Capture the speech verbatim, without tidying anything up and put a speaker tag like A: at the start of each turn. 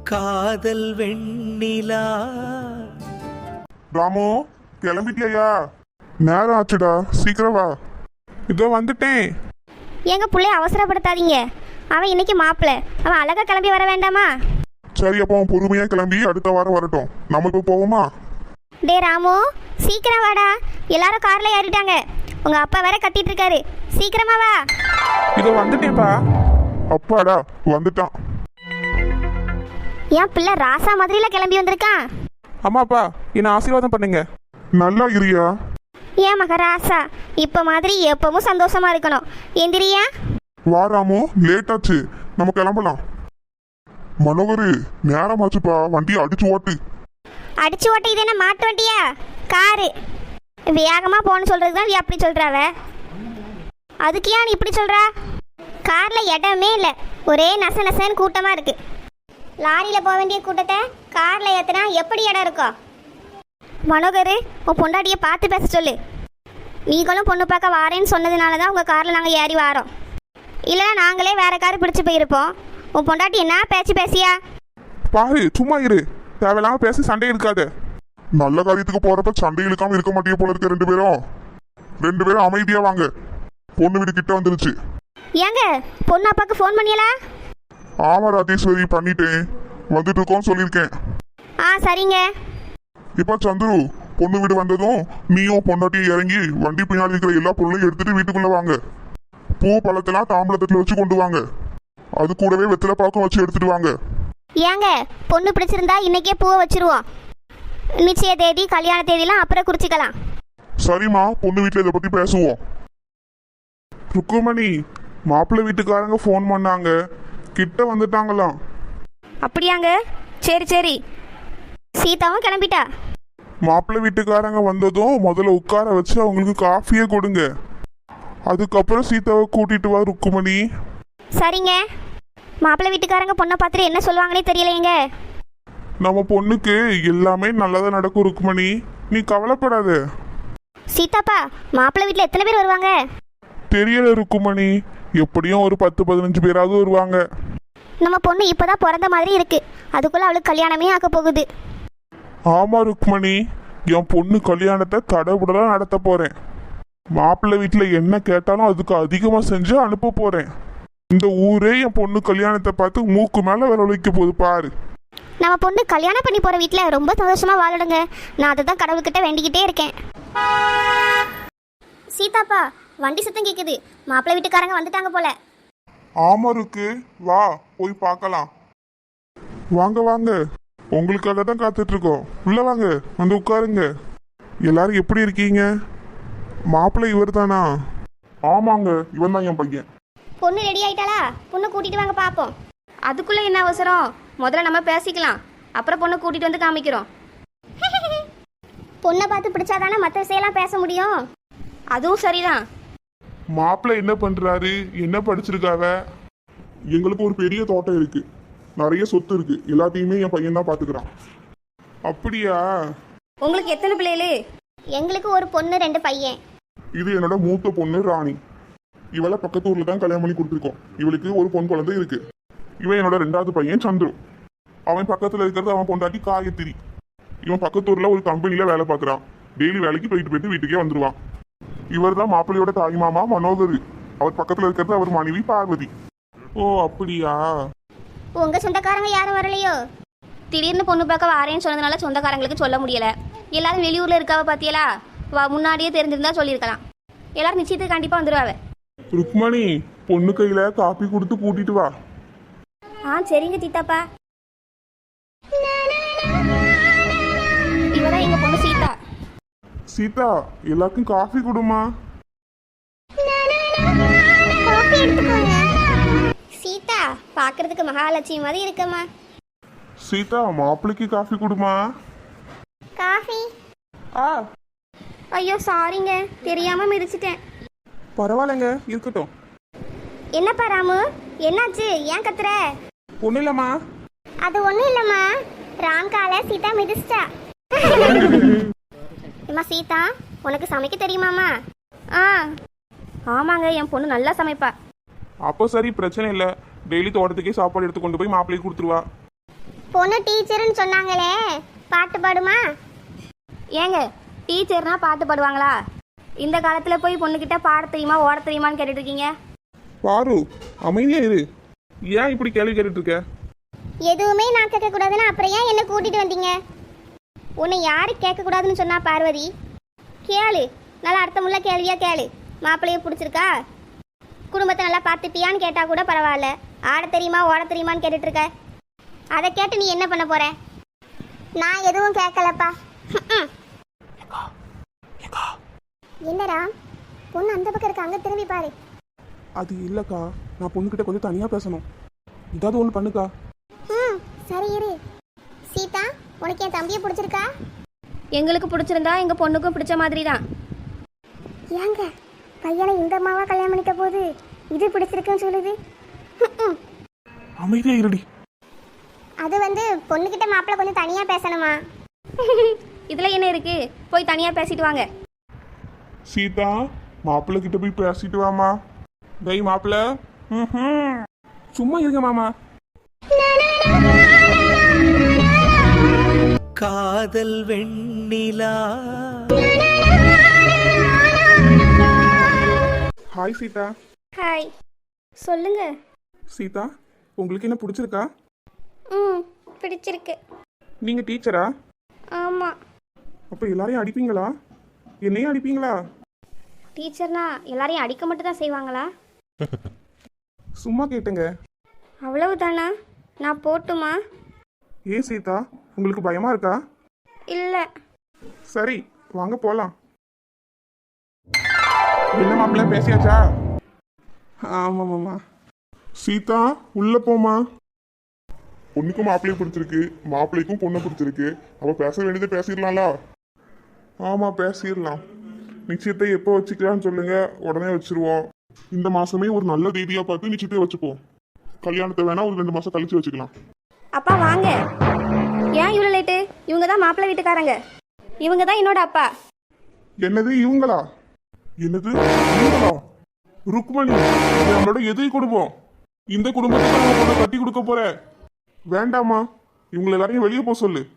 A: காதல் வெண்ணிலா.
B: ராமு, கிளம்பிட்டியா? நேரம் ஆச்சுடா, சீக்கிரம் வா. இதோ வந்துட்டேன்.
C: எங்க பிள்ளைய அவசரப்படுத்தாதீங்க. அவன் இன்னைக்கு மாப்பிள்ள, அவன் அழகா கிளம்பி வர வேண்டாமா?
B: சரி, அப்போ அவன் பொறுமையா கிளம்பி அடுத்த வாரம் வரட்டும். நம்ம இப்போ போவோமா?
C: டே ராமு, சீக்கிரம் வாடா. எல்லாரும் கார்ல ஏறிட்டாங்க. உங்க அப்பா வேற கத்திட்டு இருக்காரு. சீக்கிரமா வா.
B: இதோ வந்துட்டேன்ப்பா. அப்பாடா, வந்துட்டான்.
C: என் பிள்ளை ராசா மாதிரில கிளம்பி வந்திருக்கான்.
B: அம்மாப்பா, என்ன ஆசீர்வாதம் பண்ணுங்க. நல்லா இருக்கியா?
C: ஏன் மக ராசா, இப்ப மாதிரி எப்பவும் சந்தோஷமா இருக்கணும். எந்திரியா?
B: வா ராமு, லேட் ஆச்சு, நம்ம கிளம்பலாம். மனோகரு, நேரமாச்சுப்பா, வண்டியை அடிச்சு ஓட்டு.
C: அடிச்சு ஓட்ட இது என்ன மாட்டு வண்டியா? காரு. வேகமா போன்னு சொல்றதுக்கு தான் அப்படி சொல்றாவ. அதுக்கு ஏன் இப்படி சொல்றா? கார்ல இடமே இல்லை, ஒரே நச நசன்னு கூட்டமா இருக்கு. லாரியில போக வேண்டிய கூட்டத்தை கார்ல ஏத்துனா எப்படி இடம் இருக்கும்? மனோகரு, உன் பொண்டாட்டியை பார்த்து பேச சொல்லு. நீங்களும் பொண்ணு பார்க்க வாரேன்னு சொன்னதுனால தான் உங்கள் காரில் நாங்கள் ஏறி வாரோம். இல்லைன்னா நாங்களே வேற கார் பிடிச்சி போயிருப்போம். உன் பொண்டாட்டி என்ன பேச்சு பேசியா?
B: பாரு, சும்மா இரு. தேவையில்லாம பேசி சண்டை இருக்காது. நல்ல காரியத்துக்கு போறப்ப சண்டை இழுக்காம இருக்க மாட்டே போல இருக்க. ரெண்டு பேரும் ரெண்டு பேரும் அமைதியா வாங்க. பொண்ணு வீடு கிட்ட வந்துருச்சு.
C: ஏங்க, பொண்ணு அப்பாவுக்கு ஃபோன் பண்ணியலா?
B: ஆமா ராஜேஸ்வரி, பண்ணிட்டேன். வந்துட்டு இருக்கோம் சொல்லியிருக்கேன்.
C: ஆ சரிங்க.
B: இப்ப சந்துரு, பொண்ணு வீடு வந்ததும் நீயும் பொண்டாட்டியும் இறங்கி வண்டி பின்னாடி இருக்கிற எல்லா பொருளையும் எடுத்துட்டு வீட்டுக்குள்ள வாங்க. பூ பழத்தெல்லாம் தாம்பளத்துல வச்சு கொண்டு வாங்க. அது கூடவே வெத்தலை பாக்கம் வச்சு எடுத்துட்டு வாங்க.
C: ஏங்க, பொண்ணு பிடிச்சிருந்தா இன்னைக்கே பூவை வச்சிருவோம். நிச்சய தேதி கல்யாண தேதியெல்லாம் அப்புறம் குறிச்சிக்கலாம்.
B: சரிம்மா, பொண்ணு வீட்டுல இதை பத்தி பேசுவோம். ருக்குமணி, மாப்பிள்ளை வீட்டுக்காரங்க ஃபோன் பண்ணாங்க, கிட்ட வந்துட்டாங்களாம்.
C: அப்படியாங்க? சரி சரி. சீதாவும் கிளம்பிட்டா.
B: மாப்பிள்ளை வீட்டுக்காரங்க வந்ததும் முதல்ல உட்கார வச்சு அவங்களுக்கு காஃபியே கொடுங்க. அதுக்கப்புறம் சீதாவை கூட்டிட்டு வா ருக்குமணி.
C: சரிங்க. மாப்பிள்ளை வீட்டுக்காரங்க பொண்ணை பார்த்துட்டு என்ன சொல்லுவாங்கன்னே தெரியலையேங்க.
B: நம்ம பொண்ணுக்கு எல்லாமே நல்லதா நடக்கும் ருக்குமணி, நீ கவலைப்படாத.
C: சீதாப்பா, மாப்பிள்ளை வீட்டில் எத்தனை பேர் வருவாங்க?
B: தெரியல ருக்குமணி, எப்படியும் ஒரு பத்து பதினஞ்சு பேராவது வருவாங்க.
C: நம்ம பொண்ணு இப்போதான் பிறந்த மாதிரி இருக்கு, அதுக்குள்ள அவளுக்கு கல்யாணமே ஆக்க போகுது.
B: ஆமா ருக்மணி, என் பொண்ணு கல்யாணத்தை தடபுடலாம் நடத்த போறேன். மாப்பிள்ளை வீட்டில் என்ன கேட்டாலும் அதுக்கு அதிகமா செஞ்சு அனுப்ப போறேன். இந்த ஊரே என் பொண்ணு கல்யாணத்தை பார்த்து மூக்கு மேல வில வைக்க போகுது பாரு.
C: நம்ம பொண்ணு கல்யாணம் பண்ணி போற வீட்டில் ரொம்ப சந்தோஷமா வாழடுங்க. நான் அதை தான் கடவுள்கிட்ட வேண்டிக்கிட்டே இருக்கேன். சீதாப்பா, வண்டி சத்தம் கேக்குது. மாப்பிள்ளை வீட்டுக்காரங்க வந்துட்டாங்க போல.
B: ஆமா இருக்கு, வா போய் பார்க்கலாம். வாங்க வாங்க, உங்களுக்காக தான் காத்துட்டு இருக்கோம். உள்ள வாங்க, வந்து உட்காருங்க. எல்லாரும் எப்படி இருக்கீங்க? மாப்பிள்ளை இவர் தானா? ஆமாங்க, இவன் தான் என் பையன்.
C: பொண்ணு ரெடி ஆயிட்டாளா? பொண்ணு கூட்டிட்டு வாங்க பாப்போம். அதுக்குள்ள என்ன அவசரம்? முதல்ல நம்ம பேசிக்கலாம், அப்புறம் பொண்ணை கூட்டிட்டு வந்து காமிக்கிறோம். பொண்ணை பார்த்து பிடிச்சாதானே மற்ற விஷயம்லாம் பேச முடியும். அதுவும் சரிதான்.
B: மாப்பிள்ளை என்ன பண்றாரு, என்ன படிச்சிருக்காவ? எங்களுக்கு ஒரு பெரிய தோட்டம் இருக்கு, நிறைய சொத்து இருக்கு, எல்லாத்தையுமே என் பையன் தான் பாத்துக்கிறான். அப்படியா?
C: உங்களுக்கு எத்தனை பிள்ளைகளு? எங்களுக்கு ஒரு பொண்ணு ரெண்டு பையன்.
B: இது என்னோட மூத்த பொண்ணு ராணி. இவளை பக்கத்து ஊர்ல தான் கல்யாணம் பண்ணி கொடுத்துருக்கோம். இவளுக்கு ஒரு பொன் குழந்தை இருக்கு. இவன் என்னோட ரெண்டாவது பையன் சந்துரு. அவன் பக்கத்துல இருக்கிறது அவன் பொண்டாட்டி காயத்திரி. இவன் பக்கத்து ஊர்ல ஒரு கம்பெனில வேலை பார்க்கறான். டெய்லி வேலைக்கு போயிட்டு போயிட்டு வீட்டுக்கே வந்துருவான். இவர் தான் மாப்பிள்ளையோட தாய் மாமா மனோகர். அவர் பக்கத்துல இருக்கிறது அவர் மனைவி பார்வதி. ஓ அப்படியா?
C: உங்க சொந்தக்காரங்க யாரும் வரலையோ? திடீர்னு பொண்ணு பார்க்க வாரேன்னு சொன்னதுனால சொந்தக்காரங்களுக்கு சொல்ல முடியல. எல்லாரும் வெளியூர்ல இருக்காவ பாத்தியலா? வா, முன்னாடியே தெரிஞ்சிருந்தா சொல்லியிருக்கலாம். எல்லாரும் நிச்சயத்துக்கு கண்டிப்பா வந்துருவாவ.
B: ருக்மணி, பொண்ணு கையில காப்பி கொடுத்து கூட்டிட்டு வா.
C: ஆ சரிங்க சீதாப்பா. இவதான் எங்க பொண்ணு சீதா.
B: சீதா, எல்லாருக்கும் காஃபி கொடுமா.
C: சீதா பாக்குறதுக்கு மகாலட்சுமி மாதிரி இருக்கமா.
B: சீதா, மாப்பிள்ளைக்கு காஃபி கொடுமா.
C: காஃபி?
B: ஆ
C: ஐயோ சாரிங்க, தெரியாம மிதிச்சிட்டேன்.
D: பரவாயில்லைங்க, இருக்கட்டும்.
C: என்னப்பா ராமு, என்னாச்சு? ஏன் கத்துற?
D: ஒன்றும் இல்லைம்மா.
C: அது ஒண்ணும் இல்லம்மா, ராம் கால சீதா மிதிச்சிட்டா. அம்மா சீதா, உனக்கு சமைக்க தெரியுமாமா? ஆ ஆமாங்க, என் பொண்ணு நல்லா சமைப்பா.
D: அப்போ சரி, பிரச்சனை இல்லை. டெய்லி தோட்டத்துக்கே சாப்பாடு எடுத்து கொண்டு போய் மாப்பிள்ளைக்கு கொடுத்துருவா.
C: பொண்ணு டீச்சர்னு சொன்னாங்களே, பாட்டு பாடுமா?
E: ஏங்க டீச்சர்னா பாட்டு பாடுவாங்களா? இந்த காலத்தில் போய் பொண்ணுக்கிட்ட பாட தெரியுமா ஓட தெரியுமான்னு கேட்டுட்டு இருக்கீங்க.
D: பாரு அமைதியா இரு. ஏன் இப்படி கேள்வி கேட்டுட்டு இருக்க?
C: எதுவுமே நான் கேட்கக்கூடாதுன்னு அப்புறம் ஏன் என்ன கூட்டிட்டு வந்தீங்க? உன்னை யாரு கேட்கக்கூடாதுன்னு சொன்னா பார்வதி? கேளு, நல்லா அர்த்தமுள்ள கேள்வியா கேளு. மாப்பிள்ளைய பிடிச்சிருக்கா? குடும்பத்தை நல்லா பார்த்துப்பியான்னு கேட்டா கூட பரவாயில்ல. ஆட தெரியுமா ஓட தெரியுமான்னு கேட்டுட்டு இருக்க. அதை கேட்டு நீ என்ன பண்ண போற? நான் எதுவும் கேட்கலப்பா. என்னடா பொண்ணு அந்த பக்கம் இருக்க, அங்க திரும்பி பாரு.
D: அது இல்லக்கா, நான் பொண்ணுகிட்ட கொஞ்சம் தனியா பேசணும். ஏதாவது ஒன்று பண்ணுக்கா.
C: ம் சரி இரு. சீதா, உனக்கு என் தம்பியை பிடிச்சிருக்கா?
E: எங்களுக்கு பிடிச்சிருந்தா எங்கள் பொண்ணுக்கும் பிடிச்ச மாதிரி தான்.
C: ஏங்க பையனை இந்த அம்மாவா கல்யாணம் பண்ணிக்க போது இது பிடிச்சிருக்குன்னு சொல்லுது.
D: அமைதியா இருடி.
C: அது வந்து பொண்ணுகிட்ட மாப்பிள்ளை கொஞ்சம் தனியா பேசணுமா?
E: இதில் என்ன இருக்கு? போய் தனியாக பேசிட்டு வாங்க.
B: சீதா, மாப்பிள்ளை கிட்ட போய் பேசிட்டு வாமா.
D: டேய் மாப்பிள்ள, ம்ஹும். சும்மா இருங்க மாமா.
A: காதல் வெண்ணிலா.
D: ஹாய் சீதா.
E: ஹாய். சொல்லுங்க.
D: சீதா, உங்களுக்கு என்ன பிடிச்சிருக்கா?
E: ம் பிடிச்சிருக்கு.
D: நீங்க டீச்சரா?
E: ஆமாம்.
D: அப்ப எல்லாரையும் அடிப்பீங்களா? என்னையும் அடிப்பீங்களா?
E: டீச்சர்னா எல்லாரையும் அடிக்க மட்டும் தான் செய்வாங்களா?
D: சும்மா கேட்டுங்க.
E: அவ்வளவுதானா? நான் போட்டுமா?
D: ஏன் சீதா, உங்களுக்கு பயமா இருக்கா?
E: இல்லை.
D: சரி வாங்க போலாம். என்ன மாப்பிள்ள பேசியாச்சா? ஆமா மாமா.
B: சீதா, உள்ள போமா. பொண்ணுக்கும் மாப்பிள்ளையும் பிடிச்சிருக்கு, மாப்பிள்ளைக்கும் பொண்ணை பிடிச்சிருக்கு. அப்ப பேச வேண்டியதை பேசிடலாம்ல? ஆமா பேசிடலாம். நிச்சயத்தை எப்போ வச்சுக்கலாம்னு சொல்லுங்க, உடனே வச்சிருவோம். இந்த மாசமே ஒரு நல்ல தேதியா பார்த்து நிச்சயத்தை வச்சுப்போம். கல்யாணத்தை வேணா ஒரு ரெண்டு மாசம் கழிச்சு வச்சுக்கலாம்.
E: அப்பா வாங்க. ஏன் இவ்வளோ லேட்டு? இவங்க தான் மாப்பிள்ளை வீட்டுக்காரங்க. இவங்க தான் என்னோட அப்பா.
B: என்னது இவங்களா? என்னது இவங்களா? ருக்மணி, இது நம்மளோட எதிரி குடும்பம். இந்த குடும்பத்துக்கு நம்ம பொண்ணை கட்டி கொடுக்க போற. வேண்டாமா, இவங்களை எல்லாரையும் வெளியே போக சொல்லு.